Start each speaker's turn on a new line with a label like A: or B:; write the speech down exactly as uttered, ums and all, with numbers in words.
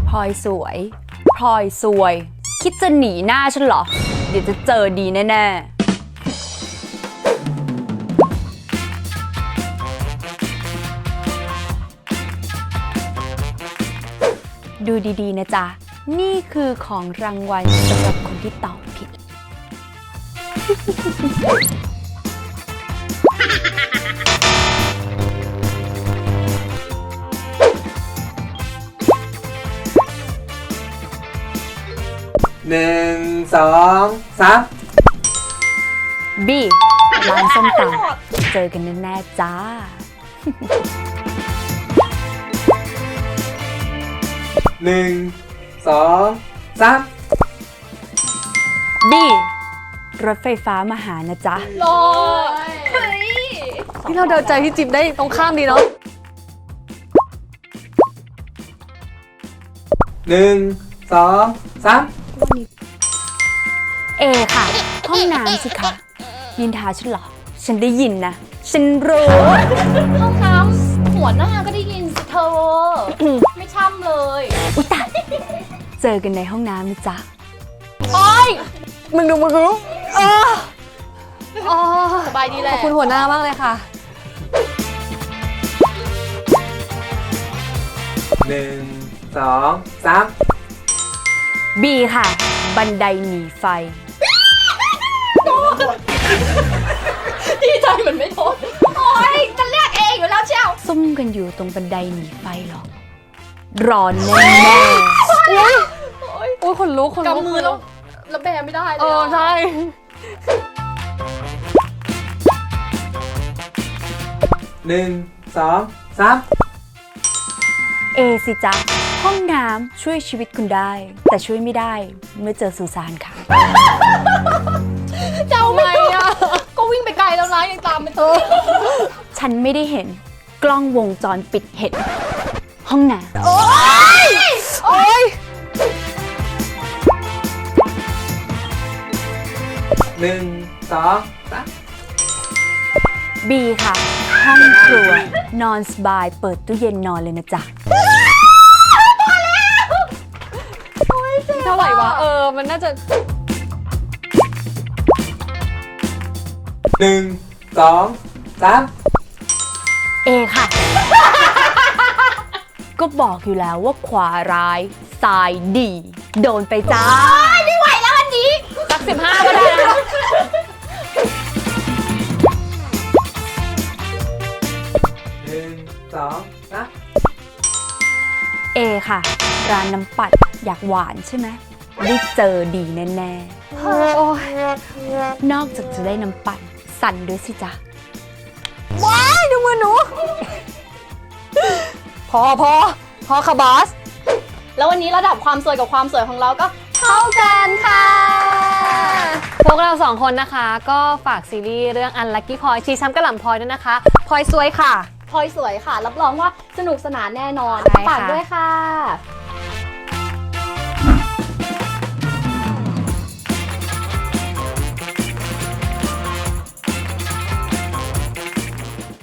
A: พลอยสวยพลอยสวยคิดจะหนีหน้าฉันเหรอเดี๋ยวจะเจอดีแน่ๆดูดีๆนะจ๊ะนี่คือของรางวัลสำหรับคนที่ตอบผิด
B: หนึ่งสองสาม
A: บีร้านส้มตำเจอกันแน่ๆจ้า
B: หนึ่งสองสาม
A: บีรถไฟฟ้ามาหานะจ๊ะ
C: รอเฮ้ยที่เราเดินใจพี่จิ๊บได้ตรงข้ามดีเนาะ
B: หนึ่งสองสาม
A: เอค่ะห้องน้ำสิคะยินทาฉันเหรอฉันได้ยินนะฉันรู้
C: ห้องน้ำหัวหน้าก็ได้ยินสิเธอ ไม่ช่ำเลย
A: อุ๊ยตายเจอกันในห้องน้ำนะจ๊ะ
C: โอ๊ย
A: มึงดูมึงดู
C: อ๋อสบายดีแหละขอบคุณหัวหน้ามากเลยค่ะ
B: หนึ่งสองสาม
A: บีค่ะบันไดหนีไฟ
C: ดีใจเหมือนไม่โดนโอ๊ยจะเรียกเองอยู่แล้วเชียว
A: ซุ่มกันอยู่ตรงบันไดหนีไฟหรอร้อนแน่แน่
C: โอ๊ยโอ๊ยคนลุกคนลุกกำมือแล้วแล้วแบไม่ได้เลยเออใช่
B: หนึ่งสองสาม
A: เอสิจ๊ะห้องน้ำช่วยชีวิตคุณได้แต่ช่วยไม่ได้เมื่อเจอสุสานค่ะ
C: เจ้าไม่อะก็วิ่งไปไกลแล้วนะยังตามไปเถอะ
A: ฉันไม่ได้เห็นกล้องวงจรปิดเห็นห้องน้ำ
C: โอ๊ยโอ๊ย
B: หนึ่งสองสาม
A: บีค่ะห้องครัวนอนสบายเปิดตู้เย็นนอนเลยนะจ๊ะ
C: เท่าไหร่วะเออมันน่าจะ
B: หนึ่งสองสาม
A: เอค่ะก็บอกอยู่แล้วว่าขวาร้ายซ้ายดีโดนไปจ้า
C: ไม่ไหวแล้วอันนี้สักสิบห้าก็ได้นะ
B: หนึ่งสองสาม
A: เอค่ะร้านน้ำปัดอยากหวานใช่ไหมได้เจอดีแน่ๆนอกจากจะได้น้ำปัดสั่นด้วยสิจ๊ะ
C: ว้ายดูมือหนูพอพอพอค่ะบอสแล้ววันนี้ระดับความสวยกับความสวยของเราก็เท่ากันค่ะพวกเราสองคนนะคะก็ฝากซีรีส์เรื่อง Unlucky Poi ชีช้ำกระหล่ำพลอยด้วยนะคะพลอยสวยค่ะพลอยสวยค่ะรับรองว่าสนุกสนานแน่นอนฝากด้วยค่ะ